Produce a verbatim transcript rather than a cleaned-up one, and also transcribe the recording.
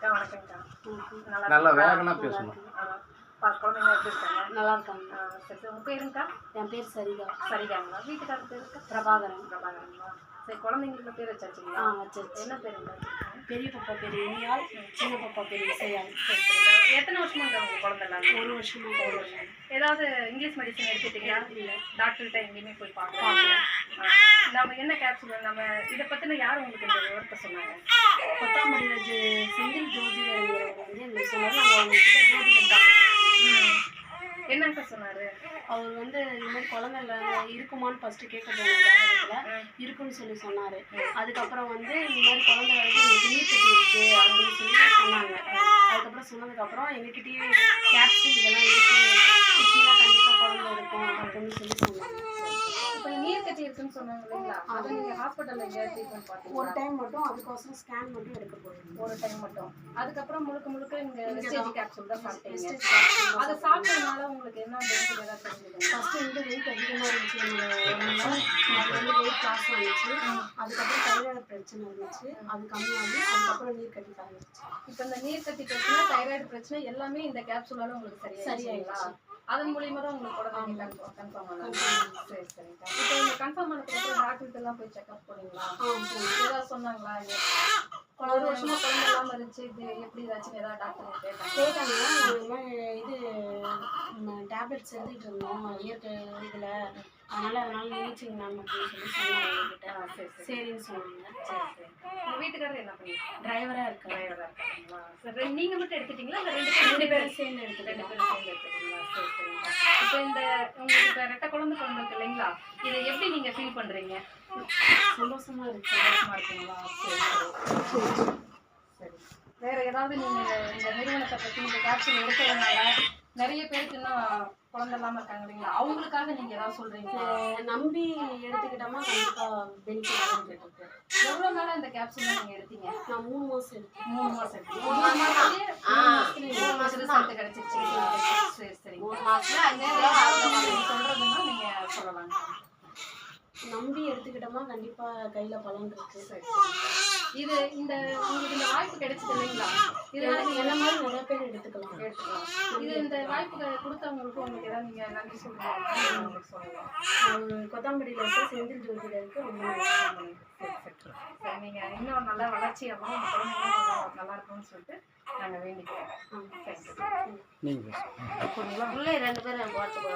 அக்கா வணக்கம்க்கா. நல்லா நல்லா இருக்கீங்களா? வேகனா பேசணும். ஆ, பா குழந்தைங்க எப்படி இருக்காங்க? நல்லா இருக்காங்க. ஆ, சரி சரி. உங்கள் பேருங்கக்கா? என் பேர் சரிதா. சரிதாங்களா? வீட்டுக்காரர் பேருக்கா? பிரபாகரன். பிரபாகரங்களா? சரி, குழந்தைங்களுக்கு பேர் வச்சாச்சுங்களா? ஆ வச்சாச்சு. என்ன பேருங்க? பெரிய பாப்பா பேர் இனியால், சின்ன பாப்பா பேர் இசையால். சரி சரிக்கா. எத்தனை வருஷமாக்கா உங்கள் குழந்தைலாம்? ஒரு வருஷமா ஒரு வருஷம். ஏதாவது இங்கிலீஷ் மெடிசன் எடுத்துட்டீங்களா? இல்லை. டாக்டர்கிட்ட எங்கேயுமே போய் பார்க்கலாம். நம்ம என்ன கேப்சூல் நம்ம இதை பற்றின யார் உங்களுக்கு இந்த விவரத்தை சொன்னாங்க? கொத்தாமடி வச்சு செந்தில் ஜோதிடங்கிறவர் வந்து எங்களுக்கு சொன்னார். நாங்கள் அவங்கக்கிட்ட ஜோதிடம் பார்க்க என்னங்க சொன்னாரு? அவர் வந்து இந்த மாதிரி குழந்தைல இருக்குமான்னு ஃபஸ்ட்டு கேட்க போனாங்க. ஜாதகத்தில் இருக்குன்னு சொல்லி சொன்னார். அதுக்கப்புறம் வந்து இந்த மாதிரி குழந்தை வந்து உங்களுக்கு நீர் கட்டி இருக்கு அப்படின்னு சொல்லி சொன்னாங்க. அதுக்கப்புறம் சொன்னதுக்கப்புறம் எங்ககிட்டயே கேப்சூல் இதெல்லாம் இருக்கு, குச்சினா கண்டிப்பாக குழந்தை இருக்கும் அப்படின்னு சொல்லி சொன்னாங்க. இப்போ நீர் கட்டி இருக்குன்னு சொன்னாங்க இல்லைங்களா? அதை நீங்கள் ஹாஸ்பிட்டலில் எங்கேயாவது ட்ரீட்மெண்ட் பார்த்தீங்க? ஒரு டைம் மட்டும் அதுக்கோசரம் ஸ்கேன் மட்டும் எடுக்க போயிருந்தோம். ஒரு டைம் மட்டும். அதுக்கப்புறம் முழுக்க முழுக்க இந்த வெஸ்டேஜ் கேப்சூல் தான் சாப்பிட்டீங்க. ஃபஸ்ட்டு அதை சாப்பிட்டதுனால உங்களுக்கு என்ன பெனிஃபிட் ஏதாவது தெரிஞ்சுக்கணும்? வந்து வெயிட் அதிகமாக இருந்துச்சு. அது வந்து வெயிட் லாஸ் ஆகிடுச்சு. அதுக்கப்புறம் தைராய்டு பிரச்சனை இருந்துச்சு, அது கம்மியாகி அதுக்கப்புறம் நீர் கட்டி ஆரம்பிச்சு. இப்போ இந்த நீர் கட்டி பிரச்சனை, தைராய்டு பிரச்சனை எல்லாமே இந்த கேப்சூலால உங்களுக்கு சரியா சரியாயிங்களா? அதன் மூலியமா தான் உங்களுக்கு குழந்தைங்க கன்ஃபார்ம் கன்ஃபார்ம் ஆனாங்க. சரி சரிங்க. இப்போ இந்த கன்ஃபார்ம் ஆனதுக்கப்புறம் டாக்டர்கிட்ட எல்லாம் போய் செக்அப் போனீங்களா? ஏதாவது சொன்னாங்களா? ஒரு வருஷமா குழந்தை இல்லாமல் இருந்துச்சு, இது எப்படி ஏதாச்சும் ஏதாவது டாக்டர் கேட்டாங்க? கேட்டாங்க. நாங்கள் இது டேப்லெட்ஸ் எடுத்துக்கிட்டு இருந்தோம் இயற்கை இதில், அதனால் அதனால் நினைச்சிங்க மேம் அப்படின்னு சொல்லி சொன்னாங்க எங்ககிட்ட. சரி சரி சரின்னு சொன்னாங்க. சரி சரி. உங்கள் வீட்டுக்காரர் என்ன பண்ணிருக்காங்க? டிரைவராக இருக்கேன். டிரைவராக இருக்காங்களா? சரி, நீங்கள் மட்டும் எடுத்துட்டீங்களா இல்லை ரெண்டு பேரும் ரெண்டு பேரும் சேர்ந்து ரெண்டு எடுத்துக்கிட்டோம். பேரும் சேர்ந்து எடுத்துட்டீங்களா? சரி சரிங்க. இப்போ இந்த உங்களுக்கு இப்போ ரெட்டை குழந்தை பிறந்திருக்கு இல்லைங்களா? இதை எப்படி நீங்கள் ஃபீல் பண்ணுறீங்க? சந்தோஷமாக இருக்கு. சந்தோஷமாக இருக்குங்களா? சரி சரி சரி. வேறு ஏதாவது நீங்கள் இந்த நிறுவனத்தை பற்றி இந்த கேப்சூல் எடுக்கிறதுனால நிறைய பேருக்கு இன்னும் குழந்தை இல்லாமல் இருக்காங்க இல்லைங்களா? அவங்களுக்காக நீங்கள் ஏதாவது சொல்கிறீங்களா? நம்பி எடுத்துக்கிட்டோமா கண்டிப்பாக பெனிஃபிட் இருக்கு. எவ்வளோ நாளாக இந்த கேப்சூல் நீங்கள் எடுத்தீங்க? நான் மூணு மாதம் எடுத்தேன். மூணு மாதம் எடுத்தீங்க. மூணு மாதத்துலேயே மூணு மாதத்துலேயே மூணு மாதம் ரிசல்ட் கிடச்சிருச்சுங்களா? சரி சரி. மூணு மாதத்தில் சொல்கிறதுன்னா நீங்கள் சொல்லலாம். நம்பி எடுத்துக்கிட்டோமா கண்டிப்பாக கையில் பலன் இருக்கு. சரி. இது இந்த உங்களுக்கு இந்த வாய்ப்பு கிடைச்சது இல்லைங்களா? இது என்ன மாதிரி நிறைய பேர் எடுத்துக்கலாம். எடுத்துக்கலாம். இது இந்த வாய்ப்பு கொடுத்தவங்களுக்கு உங்களுக்கு ஏதாவது நீங்கள் நன்றி சொல்லுவாங்க உங்களுக்கு சொல்லலாம். அவர் கொத்தாம்படியில் இருக்க செந்தில் ஜோதிடருக்கு ரொம்ப சரி சரி சரி. நீங்கள் இன்னும் நல்லா வளர்ச்சியாகவும் உங்கள் குழந்தைங்களும் நல்லா இருக்கும்னு சொல்லிட்டு நாங்கள் வேண்டிக்கிறோம். தேங்க்யூ. நீங்கள் உள்ளே ரெண்டு பேரும் பார்த்து